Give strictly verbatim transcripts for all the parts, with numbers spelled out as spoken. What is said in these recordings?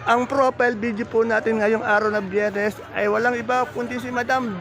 Ang profile video po natin ngayong araw na Biyernes ay walang iba kundi si Madam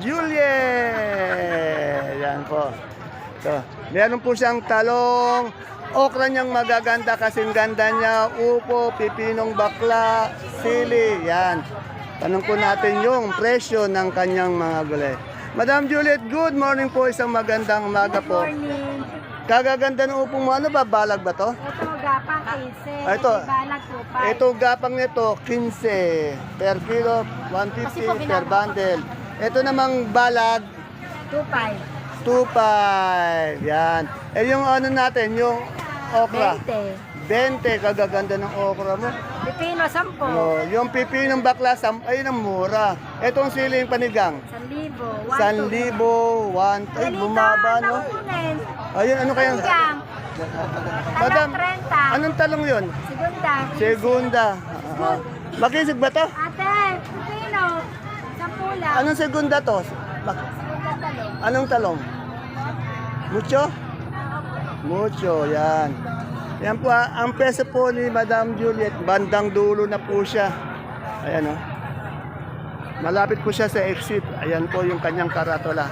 Juliet. Yan po. So, meron po siyang talong, okra niyang magaganda kasing ganda niya, upo, pipinong bakla, sili. Yan. Tanong po natin yung presyo ng kanyang mga gulay. Madam Juliet, good morning po. Isang magandang umaga po. Good morning. Kagaganda ng upong mo. Ano ba? Balag ba to? Ito, gapang quince. Ah, ito. Balag po, five. Ito gapang nito, quince per kilo, one fifty Kasi po per bundle. Ito namang balag, two five. two five. Yan. Eh yung ano natin, yung okra. twenty. twenty, kagaganda ng okra mo. Pipino, ten. No, yung pipinong bakla, sam- ayun ang mura. Itong siling panigang, one libo. one libo, one, ay bumaba no. Ayun, ano kaya? Panigang. Madam, thirty. anong talong yun? Segunda. Segunda. Uh, Makisig ba to? Ate, pipino. ten lang. Anong segunda to? Bak- Segunda talong. Anong talong? Mucho? Mucho, yan. Yan po, ah, ang peso po ni Madam Juliet, bandang dulo na po siya. Ayan o. Malapit po siya sa exit. Ayan po yung kanyang karatola.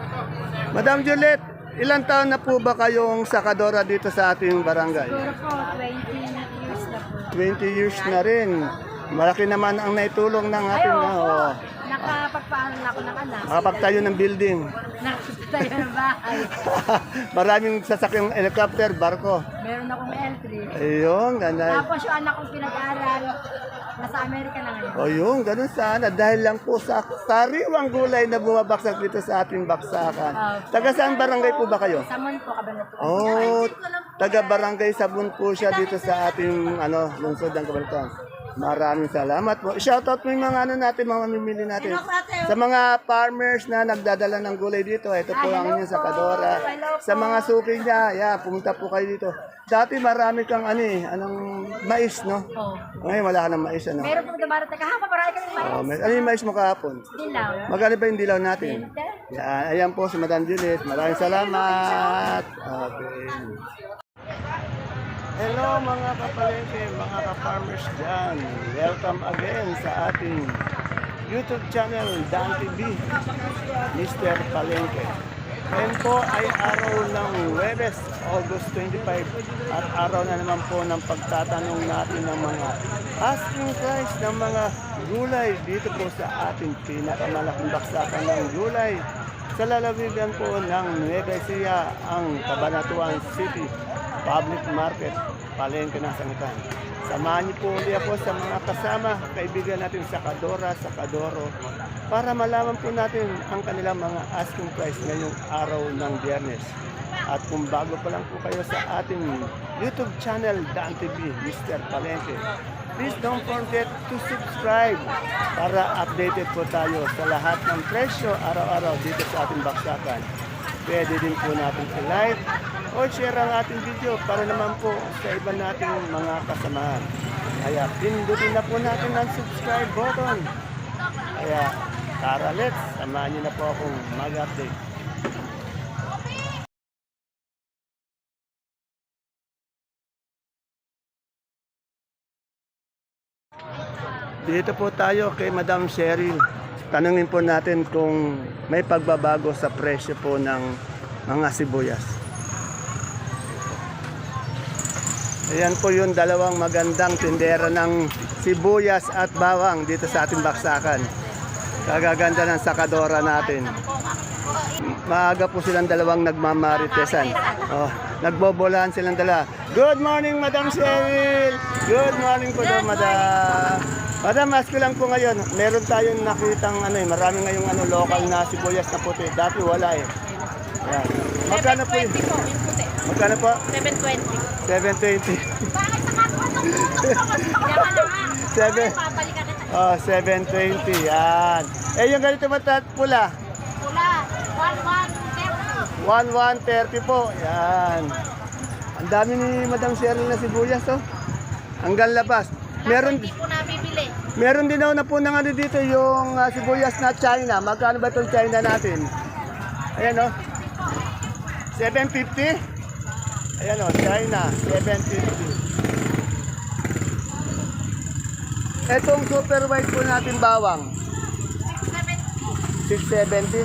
Madam Juliet, ilang taon na po ba kayong sakadora dito sa ating barangay? Siguro po, twenty years na po. twenty years na rin. Malaki naman ang naitulong ng ating... Ayoko. Oh, Nakapagpaaral na ako ng anak. makapagtayo ng building. Nakapagtayo ng bahay. Maraming sasakyang helicopter, barko. Meron akong L three. Ayun, ganda. Tapos yung anak kong pinag-aaral, nasa Amerika na ngayon. O yun, ganun sana. Dahil lang po sa sariwang gulay na bumabaksak dito sa ating baksakan. Taga saan barangay po ba kayo? Samon po, Cabanatuan. Oh, taga barangay Sabon po siya dito sa ating ano, lungsod ng Cabanatuan. Maraming salamat po. Shoutout mo yung mga ano natin, mga mamimili natin. Sa mga farmers na nagdadala ng gulay dito, ito po ang inyong sakadora. Sa mga suki niya, yeah, pumunta po kayo dito. Dati marami kang ano eh, anong mais, no? Oh. Ngayon wala ka ng mais, ano? Meron pong dumarating kahapon, marami kami mais. Oh, may, ano yung mais mo kahapon? Dilaw. Magkano ba yung dilaw natin? Yan, ayan po si Madam Juliet. Maraming salamat. Okay. Hello mga kapalengke, mga ka-farmers dyan. Welcome again sa ating YouTube channel, Dan T V, Mister Palengke. Ngayon po ay araw ng Huwebes, August twenty-five, at araw na naman po ng pagtatanong natin ng mga asking price ng mga gulay dito po sa ating pinakamalaking baksakan ng gulay sa lalawigan po ng Nueva Ecija, ang Cabanatuan City Public Market, Palengke ng Sangitan. Samahan niyo po ulit ako sa mga kasama, kaibigan natin sa Kadora, sa Kadoro, para malaman po natin ang kanilang mga asking price ngayong araw ng Biyernes. At kung bago pa lang po kayo sa ating YouTube channel, Dan T V, Mister Palengke, please don't forget to subscribe para updated po tayo sa lahat ng presyo araw-araw dito sa ating baksakan. Pwede din po natin i-like o share ang ating video para naman po sa iba nating mga kasamahan. Kaya pindutin na po natin ang subscribe button. Kaya tara, let's, samahan niyo na po akong mag-update. Dito po tayo kay Madam Cheryl. Tanungin po natin kung may pagbabago sa presyo po ng mga sibuyas. Ayan po yung dalawang magandang tindera ng sibuyas at bawang dito sa ating baksakan. Kagaganda ng sakadora natin. Maaga po silang dalawang nagmamaritesan. Oh, nagbobolaan silang dala. Good morning, Madam Cheryl! Good morning po daw, Madam. Madam, ask ko lang po ngayon, meron tayong nakitang ano eh, marami ngayong ano, local na sibuyas na puti. Dati wala eh. Yan. Magkano po yun? seven twenty po, yung puti. Magkano po? seven twenty. seven twenty. Diyan ka na nga. Seven. Papalikan kita. Oh, seven twenty. Yan. Eh, yung ganito matat pula? Pula, one one thirty. one one thirty po. Yan. Ang dami ni Madam Cheryl na sibuyas, oh. Hanggang labas. Meron, Hindi po nabibili. meron din ako na po ng ano dito, yung ah, sibuyas na China. Magkano ba itong China natin? Ayan, oh. seven fifty. Ayan, oh, China, seven fifty. Etong super white po natin bawang. six seventy.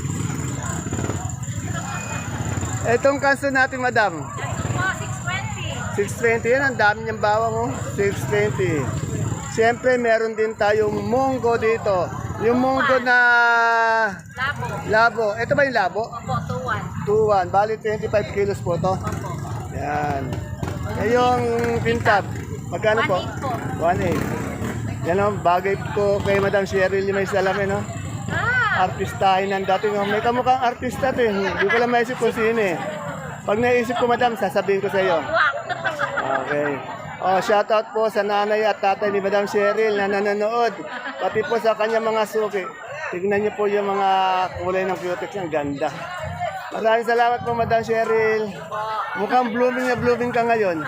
Etong kanso natin, madam. six twenty. Yan, ang dami niyang bawang, oh. six twenty. Siyempre, meron din tayong munggo dito. Yung munggo na Labo. labo. Ito ba yung labo? Opo, two one. two one. Bali, twenty-five kilos po to. Opo. Yan. Eh, yung pintab. Magkano po? one eight. Yan o, bagay ko kay Madam Cheryl yung may salamin, no? Ah! Artistahin ng dating. Oh. May kamukhang artista to eh. Hindi ko lang maisip kung sino eh. Pag naisip ko, Madam, sasabihin ko sa iyo. Okay. Oh, shout out po sa nanay at tatay ni Madam Cheryl na nanonood. Pati po sa kanya mga suki. Tignan niyo po yung mga kulay ng cutex niya. Ang ganda. Maraming salamat po, Madam Cheryl. Mukhang blooming na blooming ka ngayon.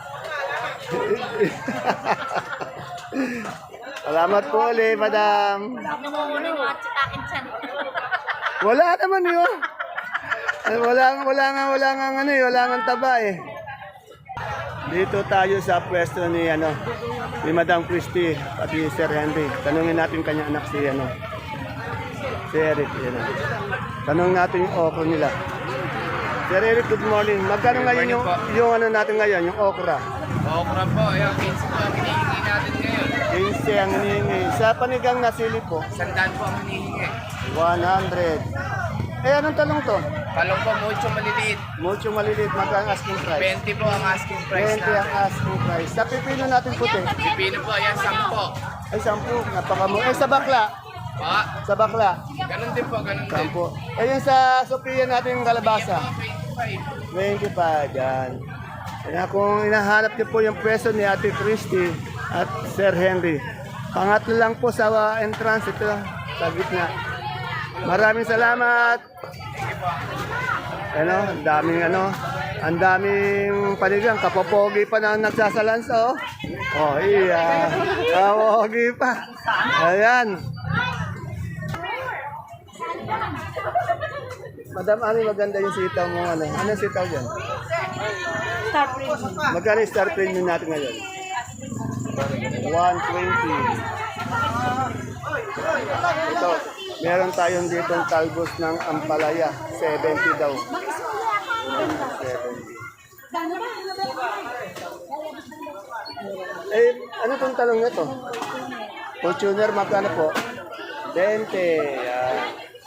Salamat po ulit, Madam. Namumuna yung mga tsitakin dyan. Wala naman yun. Wala, wala nga, wala nga, ano eh, wala nga taba eh. Dito tayo sa pwesto ni, ano, ni Madam Christie, pati Sir Henry. Tanungin natin kanyang anak si, ano, si Eric. Yan, ah. Tanungin natin yung okra nila. Sir Eric, good morning. Magkano ngayon yung, yung ano natin ngayon, yung okra? Okra po, yung fifteen po ang hinihingi natin ngayon. fifteen ang hinihingi. Sa panigang nasili po, Sandaan po ang hinihingi. one hundred. Eh, anong talong to? Talong po, mucho maliliit. Mucho maliliit, magkano asking price? twenty po ang asking price twenty ang natin. asking price. Sa pipino natin puti, Pipino po, ayan, sampo. ay sampu, napakamura. Eh, sa bakla, Pa, sa bakla, ganun din po, ganun din. sampu. Eh, yung sa Sophia natin yung kalabasa, twenty-five. twenty-five, yan. Kaya kung hinahanap niyo po yung pwesto ni Ate Christy at Sir Henry, pangatlo lang po sa uh, entrance ito, sa gitna. Maraming salamat. Ano, ang daming ano, ang daming panigang, kapopogi pa na nagsasalansa, oh. Oh, iya. Kapopogi pa. Ayan. Madam Ani, maganda yung sitaw mo, ano. Ano sitaw yan? Star premium. Magkano yung star premium natin ngayon? one twenty. Ito, meron tayong ditong talbos ng ampalaya. seventy daw. seventy. Eh, ano tong talong na to? Fortuner, magkano po? twenty. Yan.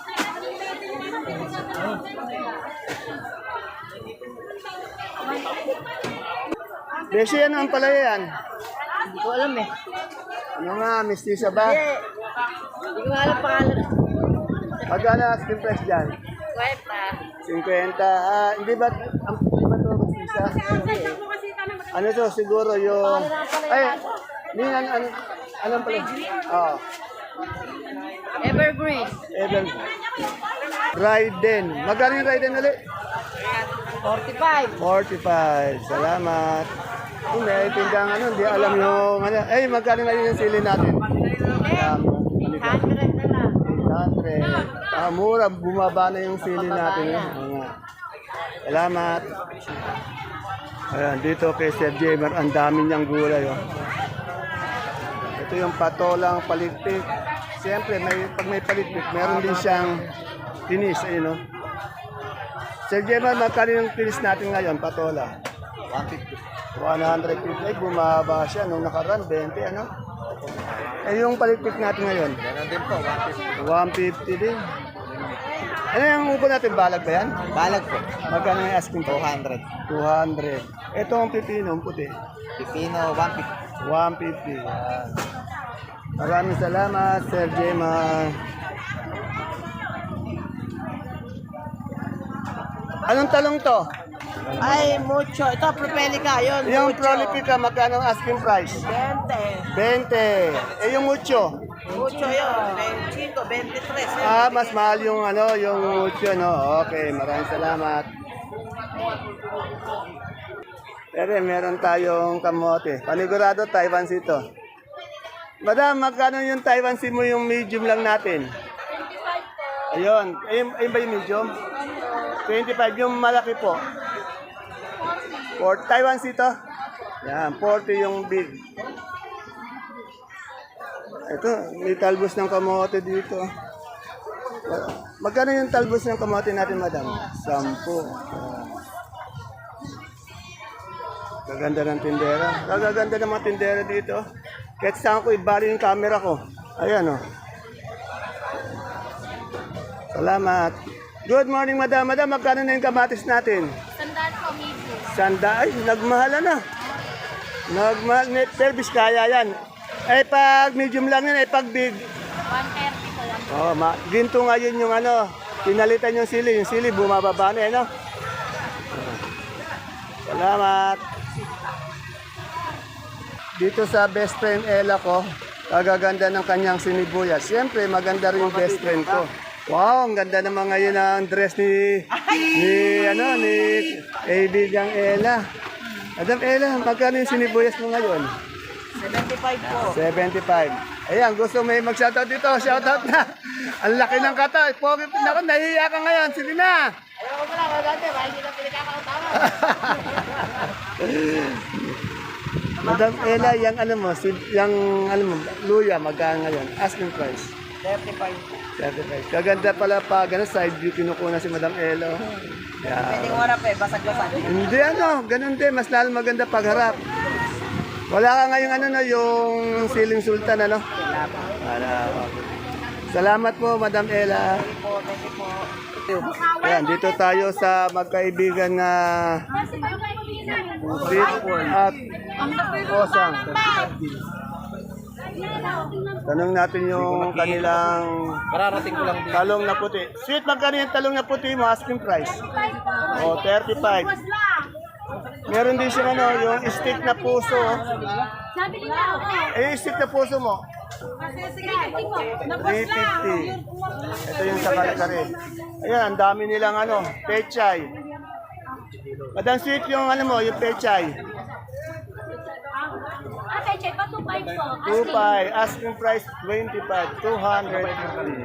Beshi, ano ang palaya yan? Hindi ko alam eh. Ano nga, mistisa ba? Hindi ko alam pangalan. Magkano asking price dyan? Kwenta. fifty. Ah, hindi ba, ang hindi ba ito mistisa? Ano to, siguro yung... Ay, hindi, ano, ano, anong pala? Oo. Evergreen. Even. Raiden. Magkano yung Raiden ulit? forty-five. forty-five. Salamat. Kung may tindang ano, hindi alam yung ano. Eh, magkano ngayon yung sili natin? Um, eight hundred na lang. eight hundred. Ah, mura, bumaba na yung sili natin. Eh. Oo nga. Salamat. Ayan, dito kay Sir Jamer, ang dami niyang gulay. Oh. Ito yung patolang paligpik. Siyempre, may, pag may paligpik, meron din siyang tinis. Ayun, oh. Sir Jamer, magkano yung tinis natin ngayon, patola? one fifty. one fifty. Ay, bumaba siya. Nung nakaraan, twenty, ano? Eh, yung paligpik natin ngayon? Ganun din po, one fifty. one fifty din. Ano yung upo natin? Balag ba yan? Balag po, Magkano yung asking two po? hundred. two hundred. Ito ang pipino, ang puti. Pipino, one fifty. one fifty. Yan. Maraming salamat, Sir Jema. Anong talong to? Ay, mucho. Ito, propelica. Yun, Yung prolifica, magkano ang asking price? twenty. twenty. Eh, yung mucho? Mucho yun. twenty-five, twenty-three. Ah, mas mahal yung ano, yung mucho, no? Okay, maraming salamat. Pero meron tayong kamote. Panigurado, Taiwan Sea to. Madam, magkano yung Taiwan Sea mo yung medium lang natin? Ayun. Ayun, ayun ba yung medium? twenty-five. Yung malaki po. For Taiwan Sea to? Yan, forty yung big. Ito, may talbos ng kamote dito. Magkano yung talbos ng kamote natin, madam? Sampu. Ayan. Gaganda ng tindera. Gaganda ng mga tindera dito. Kahit saan ko ibali yung camera ko. Ayan o. Oh. Salamat. Good morning, madam. Madam, magkano na yung kamatis natin? Sandal po, amigo. Sanda, ay, nagmahala na. Nagmahal, net service kaya yan. Ay, pag medium lang yan, ay pag big. one thirty po lang. Oh, ma ginto ngayon yung ano, pinalitan yung sili. Yung sili, bumababa na, ano? Salamat. Dito sa best friend Ella ko, kagaganda ng kanyang sinibuyas. Siyempre, maganda rin yung best friend ko. Wow, ang ganda naman ngayon ang dress ni, ni, ano, ni kaibigang Ella. Madam Ella, magkano yung sinibuyas mo ngayon? seventy-five po. seventy-five. Ayan, gusto may mag-shoutout dito. Shoutout na. Ang laki ng kata. Pogi, naku, nahihiya ka ngayon. Sige na. Ayaw ko lang, wala dati, mahal nila pinagkakautawa. Madam Ella, yung ano mo, si, yung ano mo, luya, magkano ngayon? Asking price. thirty-five. thirty-five. Kaganda pala pa, gano'n side view kinukuna si Madam Ella. Yeah. Pwedeng warap eh, basag-basag. Hindi ano, ganun din, mas lalo maganda pagharap. Wala ka ngayon ano na yung siling sultan ano? Wala. Salamat po, Madam Ella. Ayan, dito tayo sa magkaibigan na Sweet at Osang. Tanong natin yung kanilang Mararating ko lang din. talong na puti. Sweet, magkano yung talong na puti mo? Asking price. O, thirty-five. Meron din siya ano, yung stick na puso. Sabi nila ako. Eh, yung stick na puso mo? three fifty. Ito yung sa kare-kare. Ayan, ang dami nilang ano, pechay. Madam Sweet, yung ano mo, yung pechay. Ate, check pa, two five po. two five, asking price twenty-five, two hundred fifty.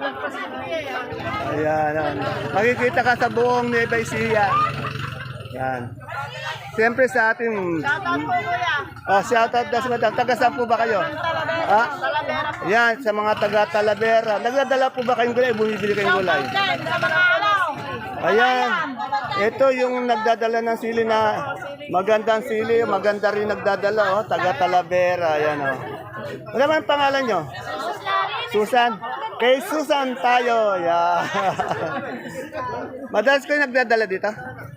Ayan, ayan. Makikita ka sa buong Nueva Ecija. Yan. Siyempre sa ating... Shoutout po, kuya. Oh, shoutout na sa madam. Taga saan po ba kayo? Ha? Yan, sa mga taga Talavera. Nagdadala po ba kayong gulay? Bumibili kayong gulay? Sa mga alaw. Ayan. Ito yung nagdadala ng sili na magandang sili. Maganda rin nagdadala, oh. Taga Talavera. Ayan, oh. Ano naman ang pangalan nyo? Susan. Kay Susan tayo. Yeah. Madalas kayo nagdadala dito?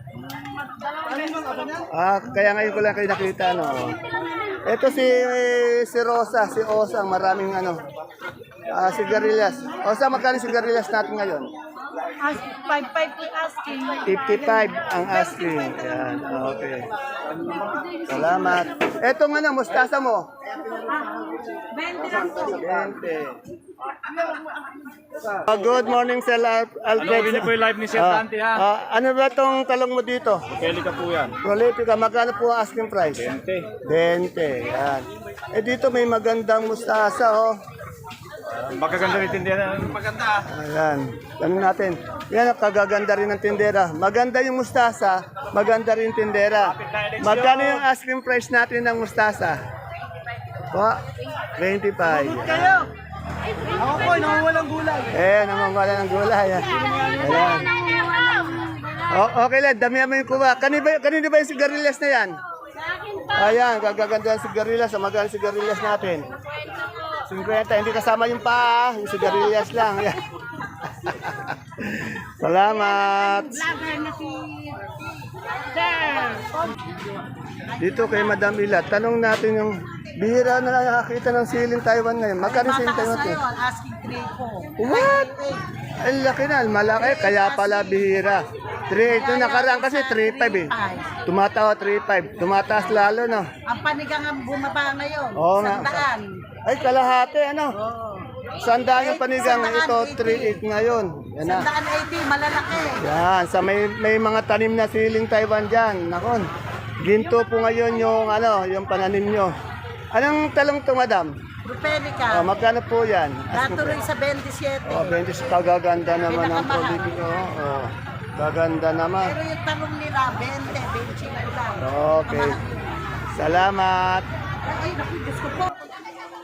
Ah, kaya ngayon ko lang kayo nakita, no. Ito si si Rosa, si Osang, maraming ano. Ah, sigarilyas. Osa, magkano sigarilyas natin ngayon? five five po asking. fifty-five ang asking. Yan, okay. Salamat. Etong ano, mustasa mo? twenty lang po. twenty. Ah, good morning, Sir Al- Alfred. Hello, po yung live ni Sir Ah, Dante, ha? ah, ano ba tong talong mo dito? Kelly ka po yan. Prolifica, magkano po ang asking price? Tente. twenty. Yan. Eh dito may magandang mustasa, oh. Magaganda rin tindihan. Maganda. Ayan. Tanong natin. Yan, kagaganda rin ng tindera. Maganda yung mustasa, maganda rin tindera. Magkano yung asking price natin ng mustasa? Po, twenty-five. Kayo. Ako po, nangungulang gulay. Eh, namamala ng gulay. ah. Ayan. O, okay lang, damihan mo yung kuha. Kanino ba, kanino ba yung sigarilyas na yan? Ayan, gagaganda yung sigarilyas. Magkano yung sigarilyas natin? fifty, hindi kasama yung paa, yung sigarilyas lang. Ayan. Salamat. Dito kay Madam Ila, tanong natin yung bihira na nakakita ng siling Taiwan ngayon. Magkano siling Taiwan natin? Asking three po. What? Ang laki na, malaki. Kaya pala bihira. three eight. Ito nakaraan kasi three five eh. Tumatawa three five. Tumataas lalo, no? Ang panigang ang bumaba ngayon. Oo nga. Sandaan. Ay, kalahati, ano? Oo. Sandaan yung panigang. Ito, three eight ngayon. Yan na. Sandaan eighty, malalaki. Yan, sa may, may mga tanim na siling Taiwan dyan. Nakon, ginto po ngayon yung, ano, yung pananim nyo. Anong talong to, madam? Rupelica. Oh, magkano po yan? Natuloy sa twenty-seven. Oh, Bentis, kagaganda naman ang Pinakamahal. politiko. Oh, gaganda naman. Pero yung talong nila, twenty, twenty-five lang. Okay. Salamat. Ay, naku, Diyos ko po.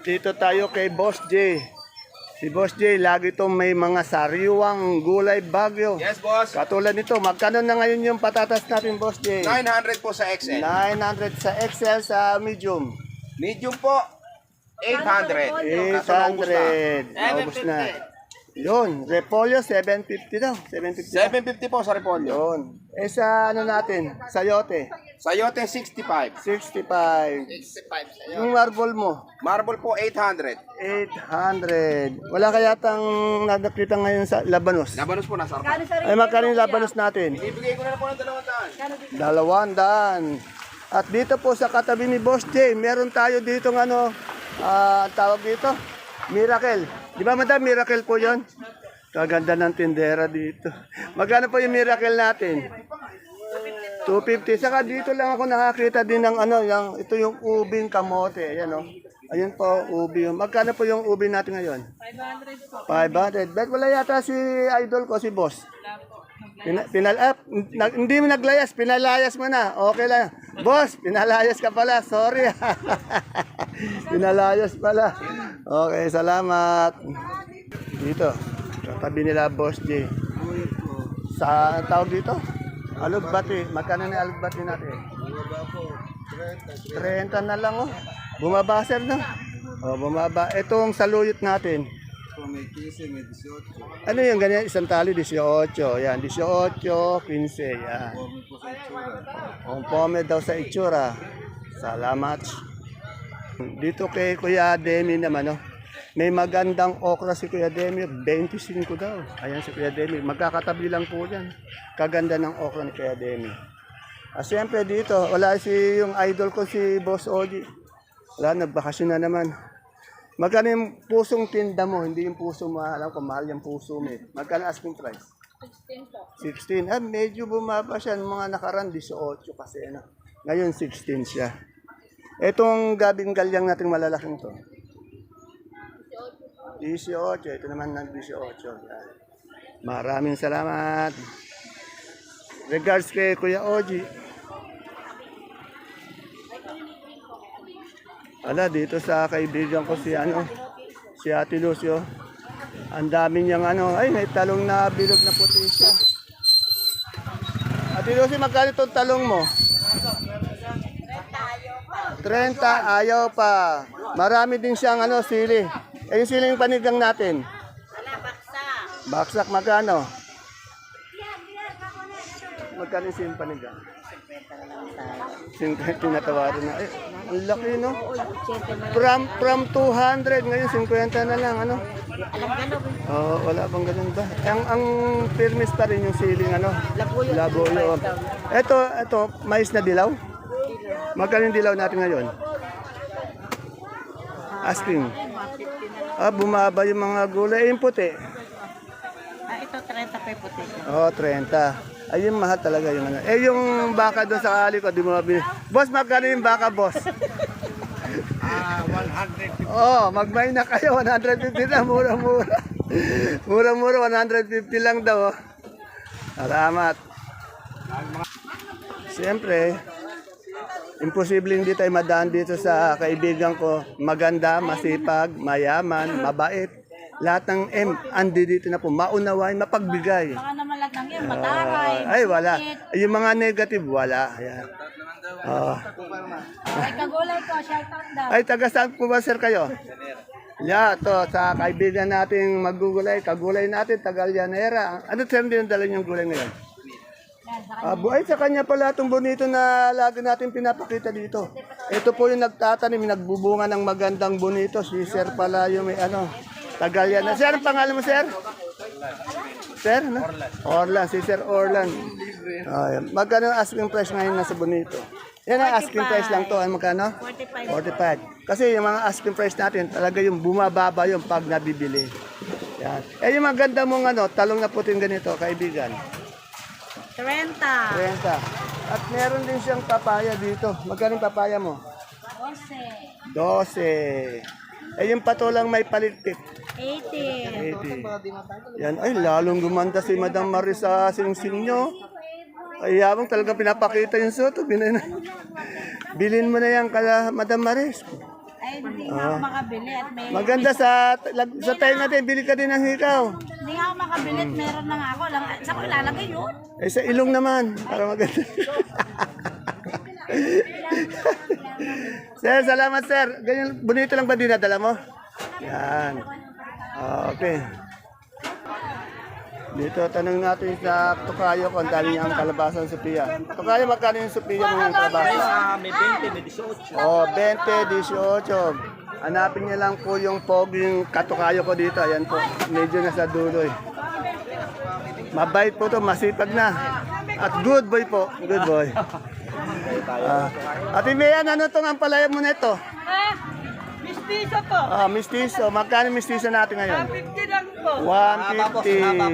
dito tayo kay Boss J. Si Boss J, lagi itong may mga sariwang gulay bagyo. Yes, boss. Katulad nito, magkano na ngayon yung patatas natin, Boss J? nine hundred po sa X L. nine hundred sa X L, sa medium. Medium po, eight hundred. eight hundred. Naubos na. Yun, repolyo, seven fifty daw. seven fifty. seven fifty po sa repolyo. Yun. Eh sa ano natin, sayote, Sayote, sixty-five. sixty-five. sixty-five sayote. Yung marble mo, Marble po, eight hundred. eight hundred. Wala kaya tang nakakita ngayon sa Labanos? Labanos po, nasa Kano sa Ay, magkano yung Labanos natin? Ibigay ko na po ng dalawang daan. Dalawang daan. At dito po sa katabi ni Boss J, meron tayo dito ng ano, ah, ang tawag dito, Miracle. Di ba madam, Miracle po yon? Kaganda ng tindera dito. Magkano po yung Miracle natin? two fifty. Saka dito lang ako nakakita din ng ano, yung, ito yung ubing kamote. Ayan o. Ayun po, ubi. Magkano po yung ubi natin ngayon? five hundred po. five hundred. Bet wala yata si idol ko, si boss. Pina, pinal, ah, nag, hindi mo naglayas, pinalayas mo na. Okay lang. Boss, pinalayas ka pala. Sorry. Pinalayas pala. Okay, salamat. Dito, katabi nila Boss J. Sa tawag dito? Alugbati. Magkano na alugbati natin? thirty na lang oh. Bumaba sir no? Oh, bumaba. Itong saluyot natin. Ano yung ganyan? Isang tali, eighteen. Yan, eighteen, fifteen. Yan. Ang pome daw sa itsura. Salamat. Dito kay Kuya Demi naman, no? May magandang okra si Kuya Demi, twenty-five daw. Ayan si Kuya Demi. Magkakatabi lang po yan. Kaganda ng okra ni Kuya Demi. Ah, siyempre dito, wala si yung idol ko si Boss Oji. Wala, nagbakasyon na naman. Magkano yung pusong tinda mo? Hindi yung puso mo, alam ko, mahal yung puso mo. eh. Magkano asking price? sixteen po. sixteen. Ah, medyo bumaba siya. Mga nakaraan, eighteen kasi. Ano. Ngayon, sixteen siya. Itong gabing galyang natin malalaking to. eighteen. Ito naman ng eighteen. Yan. Maraming salamat. Regards kay Kuya Oji. Ala, dito sa kaibigan ko si ano, si Ate Lucio. Ang dami niyang ano, ay may talong na bilog na puti siya. Ate Lucio, magkano itong talong mo? thirty, ayaw pa. Marami din siyang ano, sili. Eh, yung sili yung panigang natin. Wala, baksa. Baksak, magkano? Magkano yung sili yung panigang? fifty tinatawaran na. Eh, ang laki, no? From, from two hundred, ngayon fifty na lang, ano? Alam ka no? Oh, wala bang ganun ba? Ang, ang firmis pa rin yung siling, ano? Labuyo. Labuyo. Ito, ito, mais na dilaw? Magkano yung dilaw natin ngayon? Asking. Ah, bumaba yung mga gulay. Eh, yung puti. Ah, ito thirty pa puti. Oh, thirty. Ayun, mahal talaga yung ano. Eh, yung baka doon sa kali ko, di mo mabili. Boss, magkano yung baka, boss? Ah, one hundred. Oh, magmay na kayo. one fifty na, mura-mura. Mura-mura, one fifty lang daw. Oh. Salamat. Siyempre, imposible hindi tayo madaan dito sa kaibigan ko. Maganda, masipag, mayaman, mabait. Lahat ng M, andi dito na po. Maunawain, mapagbigay. Baka naman lahat ng yan, mataray. Ay, wala. Yung mga negative, wala. Ayan. Oh. Ay, kagulay ko, shout out daw. Ay, taga saan po ba, sir, kayo? Yeah, to sa kaibigan nating magugulay, kagulay natin, taga Llanera. Ano sir din dala yung gulay ngayon? Yan, sa Ah, bu- ay, sa kanya pala itong bonito na lagi natin pinapakita dito. Ito po yung nagtatanim, nagbubunga ng magandang bonito. Si sir pala yung may ano, taga Llanera. Sir, ang pangalan mo, sir? Sir, no? Orlan, si Sir Orlan. Ah, yan. Magkano ang asking price ngayon na sa bonito? Yan ang asking price lang to. Ay, magkano? forty-five. forty-five. Kasi yung mga asking price natin, talaga yung bumababa yung pag nabibili. Yan. Eh, yung maganda mong ano, talong na puting ganito, kaibigan. thirty. thirty. At meron din siyang papaya dito. Magkano yung papaya mo? twelve. twelve. Eh, yung patulang may palitik. eighty. eighty. Yan. Ay, lalong gumanda si Madam Maris sa singsing nyo. Ay, yabang talaga pinapakita yung soto. Bilhin, bilhin mo na yan kala Madam Maris. Ay, hindi nga ako makabili at may... Maganda sa lag- sa tayo natin, bili ka din ng hikaw. Hindi nga ako makabili at meron na nga ako. Lang, saan ko ilalagay yun? Eh sa ilong naman, para maganda. Sir, salamat sir. Ganyan, bonito lang ba dinadala mo? Yan. Okay. Dito, tanong natin sa Tokayo kung dali niya ang kalabasan Sophia. Tokayo, magkano yung Sophia mong kalabasan? May twenty, may eighteen. Oh, twenty, eighteen. Hanapin niya lang po yung poging katukayo ko dito. Ayan po, medyo nasa dulo eh. Mabait po to, masipag na. At good boy po, good boy. Ah, Ate Mayan, ano itong ampalaya mo nito? Ah, mistiso po. Ah, mistiso. Magkano mistiso natin ngayon? fifty lang po. one fifty.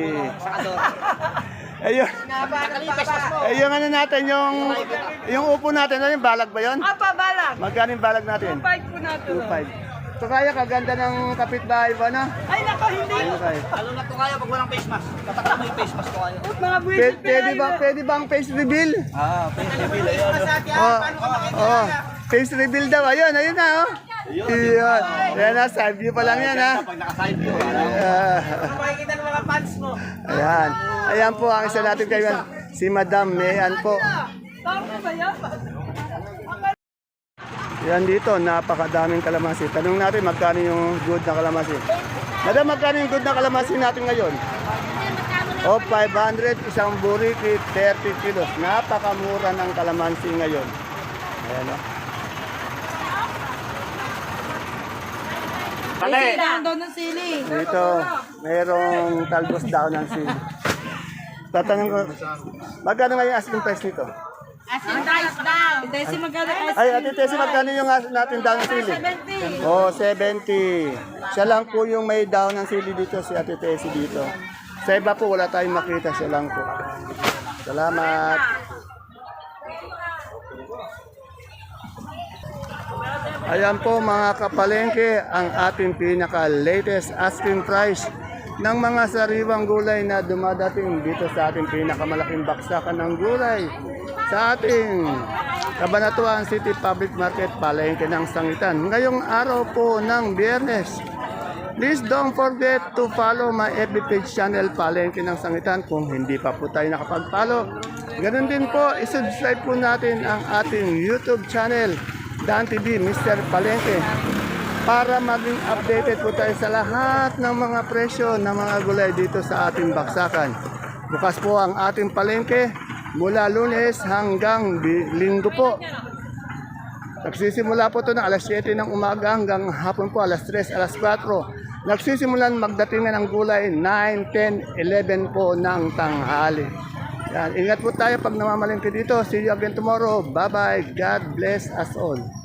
Ayun. Ayun ano natin, yung yung upo natin, ano yung balag ba yun? Apa, balag. Magkano yung balag natin? Fight po natin. two five. So kaya kaganda ng kapitbahay ba na? Ay, nako, hindi. Ano kayo? Lalo na to kayo pag walang face mask. Tatakot mo yung face mask ko kayo. Mga Pwede, buwisit pwede ba pwede bang face reveal? Ah, face reveal. Ayun. Oh, oh, face reveal daw. Ayun, ayun na oh. Iyon. Yan na, side view pa lang yan ha. Pag naka-side view, Ah. makikita ng mga fans mo. Ayan. Ayan po ang isa natin kayo. Si Madam Mayan po. Tama ba yan? Yan dito, napakadaming kalamansi. Tanong natin magkano yung good na kalamansi. Madam, magkano yung good na kalamansi natin ngayon? O, five hundred, isang buriki, thirty kilos. Napakamura ng kalamansi ngayon. Ayan o. Sili lang daw ng sili. Dito, mayroong talbos daw ng sili. Tatanong ko, magkano nga yung asking price nito? Asin rice daw. Desi magkano kasi? Ay, Ate Tessie, magkano yung as natin daw ng sili? seventy. Oh, seventy. Siya lang po yung may down ng sili dito, si Ate Tessie dito. Sa iba po, wala tayong makita. Siya lang po. Salamat. Ayan po mga kapalengke, ang ating pinaka-latest asking price ng mga sariwang gulay na dumadating dito sa ating pinakamalaking baksakan ng gulay sa ating Cabanatuan City Public Market, Palengke ng Sangitan. Ngayong araw po ng Biyernes. Please don't forget to follow my F B page channel, Palengke ng Sangitan, kung hindi pa po tayo nakapag-follow. Ganun din po, isubscribe po natin ang ating YouTube channel, Dan T V, Mister Palengke, para maging updated po tayo sa lahat ng mga presyo ng mga gulay dito sa ating baksakan. Bukas po ang ating palengke mula Lunes hanggang bi- Linggo po. Nagsisimula po ito ng alas siyete ng umaga hanggang hapon po alas tres, alas kwatro. Nagsisimulan magdatingan ng gulay nine, ten, eleven po ng tanghali. Yan. Ingat po tayo pag namamalengke dito. See you again tomorrow. Bye-bye. God bless us all.